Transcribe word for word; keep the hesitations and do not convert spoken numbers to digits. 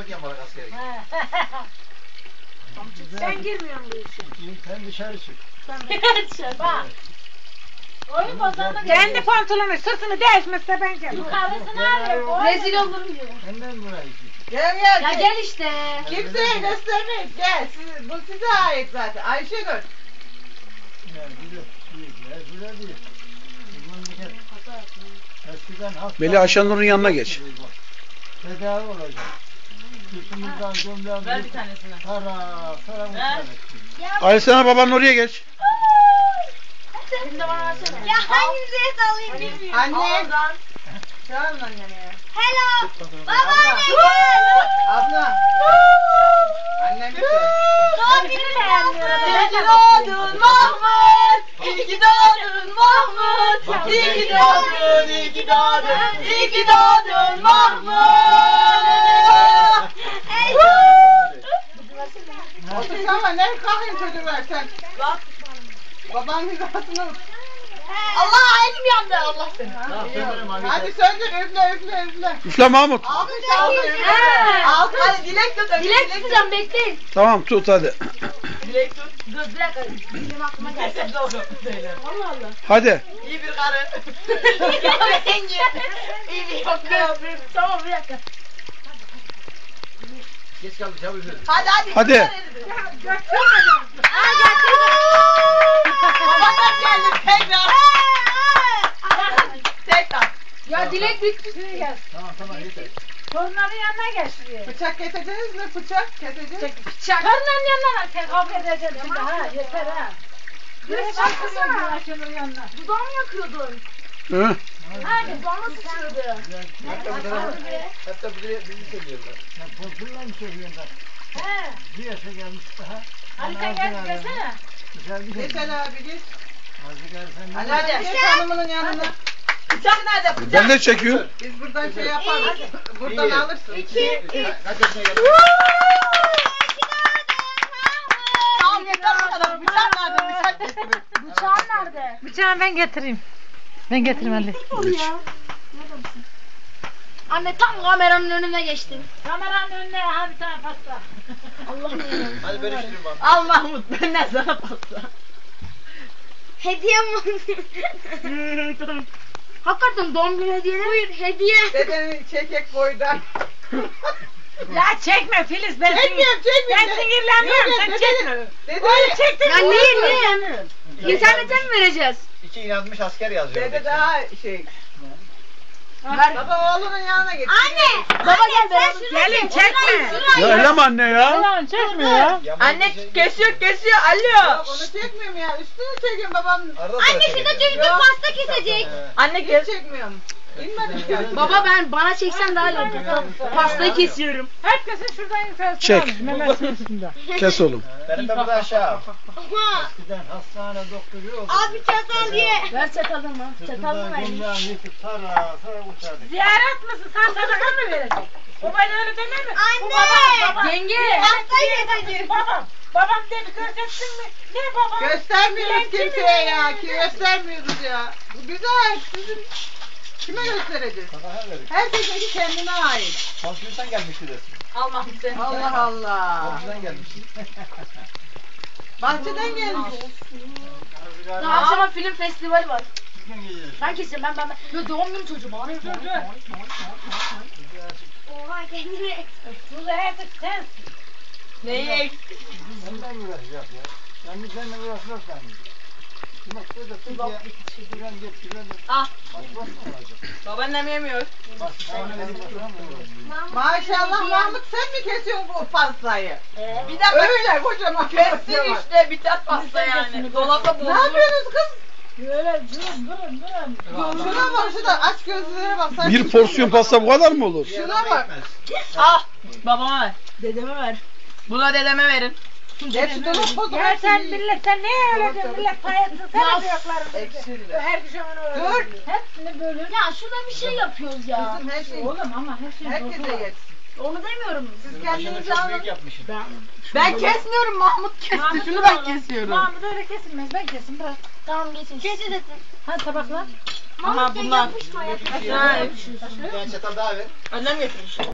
gidiyorum bana askere. Sen girmiyorsun bu işe. Sen dışarı çık. Dışarı. Bak. Oyun bozanlık. Kendi pantolonu sırtını değişmezse ben gel. Yukarısını alıyor. Rezil olurum diyor. Senden buraya git. Gel gel. Ya gel işte. Kimseye göstermeyin. Gel. Siz, bu size ait zaten. Ayşegül. Ya güzel. Ya güzel değil. Eskiden hasta. Melih Ayşenur'un yanına geç. Tedavi olacak. Sırtımızdan gömleğimizi. Ver bir tanesini. Para, para mutlar etsin. Ali sana babanın oraya geç. Şimdi bana versene. Ya hangimize sallayayım bilmiyorum. Anne. Oradan. Çağırın anneni. Hello. Babaanne gel. Abla. Annem bir şey. Doğum günü beğenmiyorum. İyi ki doğdun Mahmut. İyi ki doğdun Mahmut. İyi ki doğdun, iyi ki doğdun. İyi ki doğdun Mahmut. Otursana ne kalkayım çocuklar sen. Bak. Babanın hizasını. Allah elim yandı Allah seni. Hadi söndür üfle üfle üfle. Üfle Mahmut. Alkış alkış. He. Alkış. Hadi dilek tut. Dilek tutacağım bekleyin. Tamam tut hadi. Dilek tut. Dur bir dakika. Benim aklıma geldi. Allah Allah. Hadi. İyi bir karı. İyi bir yok. Tamam bir dakika. Geç kaldı çabuk yürü. Hadi hadi. Hadi. Babadan geldi tekrar. Tekrar. Ya dilek bitti. Gel. Tamam tamam yeter. Torunların yanına gel şuraya. Bıçak keseceğiz mi? Bıçak keseceğiz. Torunların yanına gel. Kavga edeceğim şimdi ha. Yeter ha. Direkt baksana Ayşenur'un yanına. Dudağımı yakıyordun. Hı? Hadi dudağıma sıçrıyordu. Hatta bu tarafa. Hatta bizi bizi seviyorlar. Sen korkunla mı seviyorsun da? He. Bir yaşa gelmiş daha. Ali sen gel gelsene. Güzel bir Geç şey. Ali abi geç. Hadi gel sen. Ali hadi geç hanımının yanına. Bıçak nerede bıçak? Ben de çekiyorum. Biz buradan şey yaparız. Buradan alırsın. İki. Kaç yaşına geldin? Tamam yeter bu kadar. Bıçak nerede? Bıçak getirin. Bıçağın nerede? Bıçağı ben getireyim. Ben getireyim Ali. Geç. Anne tam kameranın önüne geçtin. Kameranın önüne ha bir tane pasta. Allah'ım ya. Hadi bölüştürün bana. Al Mahmut benden sana pasta. Hediye mi? Hakikaten doğum günü hediyeleri. Buyur hediye. Dedenin çekek boydan. Ya çekme Filiz ben Çekmiyorum çekmiyorum. Ben sinirlenmiyorum Yok, sen yok, çekme. dedenin- Oğlum Dedenin çektin Ya mi? niye niye? İnternete mi vereceğiz? İki inanmış asker yazıyor. Dede daha şey. Ver. Baba oğlunun yanına git. Anne. Baba gel beraber. Gelin çekme. Ya elem anne ya. Yalan çekmiyor ya. Anne kesiyor kesiyor. Alo. Yok onu çekmiyorum ya. Üstünü çekiyorum babam. Anne şurada çocuk pasta kesecek. Anne Hiç kes. çekmiyorum. İnmedim ya. Baba ben bana çeksen daha iyi olacak. Pastayı kesiyorum. Herkesin şuradan infazını Çek. almış memesinin üstünde. Kes oğlum. Benim de burada aşağı. Ama Eskiden hastane doktoru oldu. abi çatal diye. Ver çatalımı. Çatalımı ver. Gömleğini yıkıp tara tara uçardık. Ziyaret misin? Sen sadaka mı verecek? O bana öyle demez mi? Bu Anne. babam, babam. Yenge. Pastayı kesecek. Babam. Babam dedi göreceksin mi? Ne babam? Göstermiyoruz Dilenci mi kimseye ya. yani? Ki göstermiyoruz ya. Bu güzel. Sizin kime göstereceğiz? Sabah verdik. Herkesin kendine ait. Komşudan gelmişti resim. Al Mahmut sen. Allah Allah. Komşudan gelmişti. Bahçeden gelmiş. Daha akşama film festivali var. Bugün geliyoruz. Ben keseceğim ben ben. ben. Yo doğum günü çocuğu bana. Dur dur. Oha kendine. Dur artık sen. Neyi eksik? Ondan uğraşacak ya. Ben de seninle uğraşmaz sandım. Bak burada Türkiye giren getirilen Ah. başbaş mı olacak? Babaannem yemiyor. Başbaşına verip başbaş mı olacak? Maşallah Mahmut sen mi kesiyorsun bu pastayı? Bir dakika. Öyle kocaman Kessin pasta var. işte biter pasta yani. Dolapta Ne bozulur. yapıyorsunuz kız? Böyle durun durun durun. Şuna bak şuna aç gözlere bak. Sen Bir porsiyon pasta bu kadar mı olur? Şuna bak. Ah. Babama ver. Dedeme ver. Buna dedeme verin. Hepsi dolu pozu. Ya sen milletten ne öyle diyorsun? Millet payatsın sen Ya, yapıyorlar. ekşiler. Her gün onu öyle. Dur. Hepsini bölün. Ya şurada bir şey yapıyoruz ya. Kızım her şey. Oğlum ama her şey Herkese bozulur. yetsin. Onu demiyorum. Siz Başını kendinizi çok alın. büyük yapmışsın. Ben kesmiyorum Mahmut kesti. Mahmut Şunu da ben alın. kesiyorum. Mahmut öyle kesilmez. Ben kesin bırak. Tamam geçin. Kesin dedim. Hadi tabaklar. Aha bunlar. Yapışma ya. Ha, Bir tane çatal daha ver. Annem getirmiş.